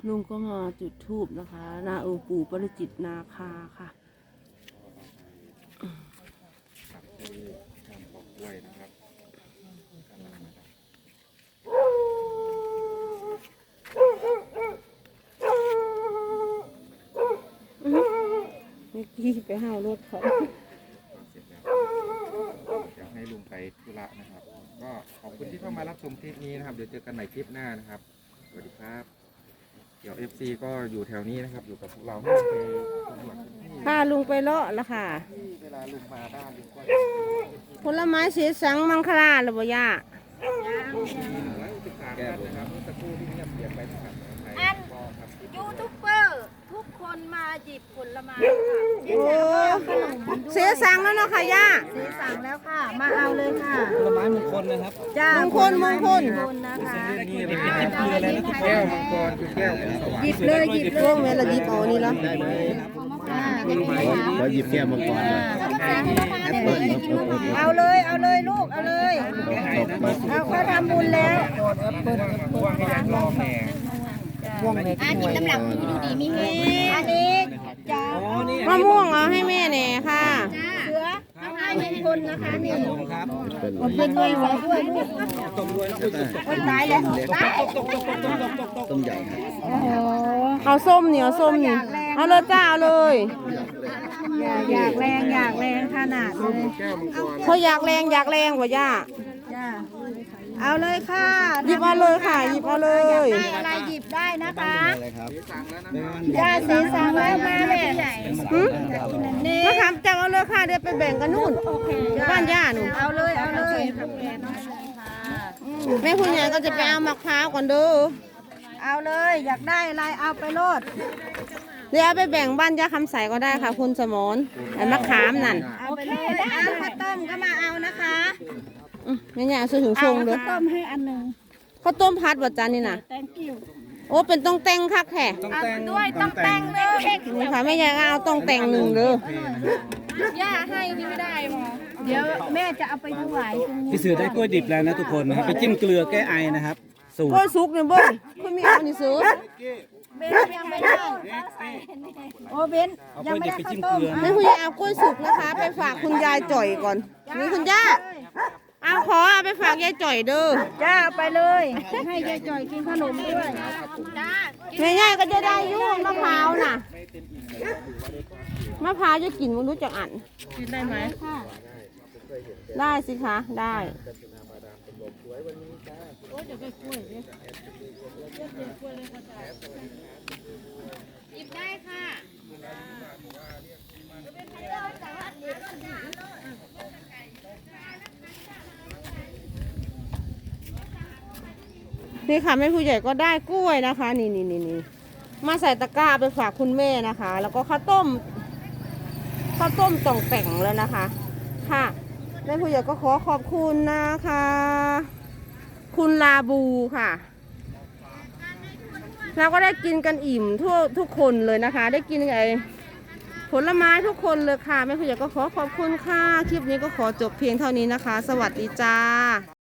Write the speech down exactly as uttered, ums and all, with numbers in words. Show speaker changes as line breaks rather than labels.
ลุงก็มาจุดธูปนะคะนาองค์ปู่ปริจิตนาคาค่ะ
ครับคือการปอกกล้วยนะครับ
เมื่อกี้ไปห้าวรถเขา
เสร็จแล้วเดี๋ยวให้ลุงไปธุระนะครับ ก็ขอบคุณที่เข้ามารับชมคลิปนี้นะครับ เดี๋ยวเจอกันใหม่คลิปหน้านะครับสวัสดีครับเดี๋ยว เอฟ ซี ก็อยู่แถวนี้นะครับอยู่กับพวกเราไม่เคยสำรวจพื้นที่
พาลุงไปเลาะละค่ะ
ที่เวลาลุงมาบ้านลุงก็
ผลไม้สีสังมังคลาหรือบ่ย่า
แก้บนนะครับเมื่อสักครู่ที่เงียบเสียงไปนะครับ
อันยูทูบเบอร์ทุกคนมาหยิบผลไม้
โอ้เสียสังแล้วเนาะค่ะย่า
ซื้อสั่งแล้วค่ะ มาเอาเลยค่ะ
ผลไม้มงคลนะครับ
จ้าม
งคลมงคล
นะคะ
นี่เป็นเต็มเกลือเลยนะทุกค
แก้
น
วมังกรคือแก้วของสวรร
หยิ
ค์
บเลยหยิบเล
ช่วย งเวลาหยิบเอานี่แล้ว
ขอหยิบแก้วมังกรเลย
เอาเลยเอาเลยลูกเอาเลยเอาเขาทำบุญแล้ว
ว่างยางรอแม่
อันนี้น้ำหลังดูดีมีเฮอันนี้จ้าม
ะม่วงเอาให้แม่แน่ค่ะ
เสือทำให้มงคลนะคะนี่
ครับ
มันเป็นด้วยไว้ด้วยลูก
ตกด้วยแล้ว
คนตายแล้วตาย
ต้นใหญ่ครับ
โอ้โห
เอาส้มเนี่ยเอาส้มนี่เอาเลยจ้าเอาเลย
อยากอยากแรงอยากแรงขนาดเลย
แก้วมังกร
เขาอยากแรงอยากแรงกว่าย่า
จ้าเอาเลยค่ะ
หยิบเอาเลยค่ะหยิบเอาเลย
ได้อะไรหยิบได้นะคะ
อะไรครับ
สั่งแล้วนะครับ
จ้าสีสังแล้วมาแม่
หืม
นี่
มะขามจับเอาเลยค่ะเดี๋ยวไปแบ่งกันนู่นบ้านย่าหนู
เอาเลยเอาเลย
แม่คุณยายก็จะไปเอามะพร้าวก่อนเด้อ
เอาเลยอยากได้อะไรเอาไปโลด
เดี๋ยวเอาไปแบ่งบ้านย่าคำใสก็ได้ค่ะ คุณสมรไอ้มะขามนั่น
เอาไปเลยเอาข้าวต้มก็มาเอานะคะ
อืมแม่ย่าซื้อถึงช
เอา
งเด้อ
ข้าวต้มให้อันหนึ่ง
ข้าวต้มพัดบ่จานนี่น่ะ
แตงกิ้ว
โอ้เป็นต้องแต่งคักแท้
ต้องแต่ง
ด้วยต้องแต่งเลย
นี่ค่ะแม่ยายก็เอาต้องแต่งหนึ่งเด้อย่
าให้พี่ไม่ได้หรอเดี๋ยวแม่จะเอาไปถวายตรงนี้
พี่เสือได้กล้วยดิบแล้วนะทุกคนนะครับไปจิ้มเกลือแก้ไอนะครับ สูต
กล้วย
ร
สุกเนี่ยเบิ้งคุณมีเอานี่ซื้อ
เบนยังไม่ได้โอ้เบน
เอา
ยั
ก
ง
ล้วย
ไม่
ดิบ
ได้
ไป
ข้าว
จิ้ม
ต้
เก
ม
ลือ
แม่คุณยายเอากล้วยสุกนะคะ ไปฝากคุณยายจ่อยก่อนนี่คุณย่าเอาขอเอาไปฝากยายจ่อยเด้อ
จ้าเอาไปเลยให้ยายจ่อยกินขนมด้วย
แม่ยายก็จะได้อยุ่งมะพร้าวน่ะมะพร้าวจะกินมันรู้จักอันกินได้ไหมได้สิคะได้
หยิบได้ค่ะ
นี่ค่ะแม่ผู้ใหญ่ก็ได้กล้วยนะคะนี่นี่นี่นี่มาใส่ตะกร้าไปฝากคุณแม่นะคะ แล้วก็ข้าวต้มข้าวต้มต่องแต่งแล้วนะคะ ค่ะแม่ผู้ใหญ่ก็ขอขอบคุณนะคะ คุณลาบูค่ะเราก็ได้กินกันอิ่มทั่วทุกคนเลยนะคะ ได้กินไอ้ผลไม้ทุกคนเลยค่ะแม่ผู้ใหญ่ก็ขอขอบคุณค่ะคลิปนี้ก็ขอจบเพียงเท่านี้นะคะ สวัสดีจ้า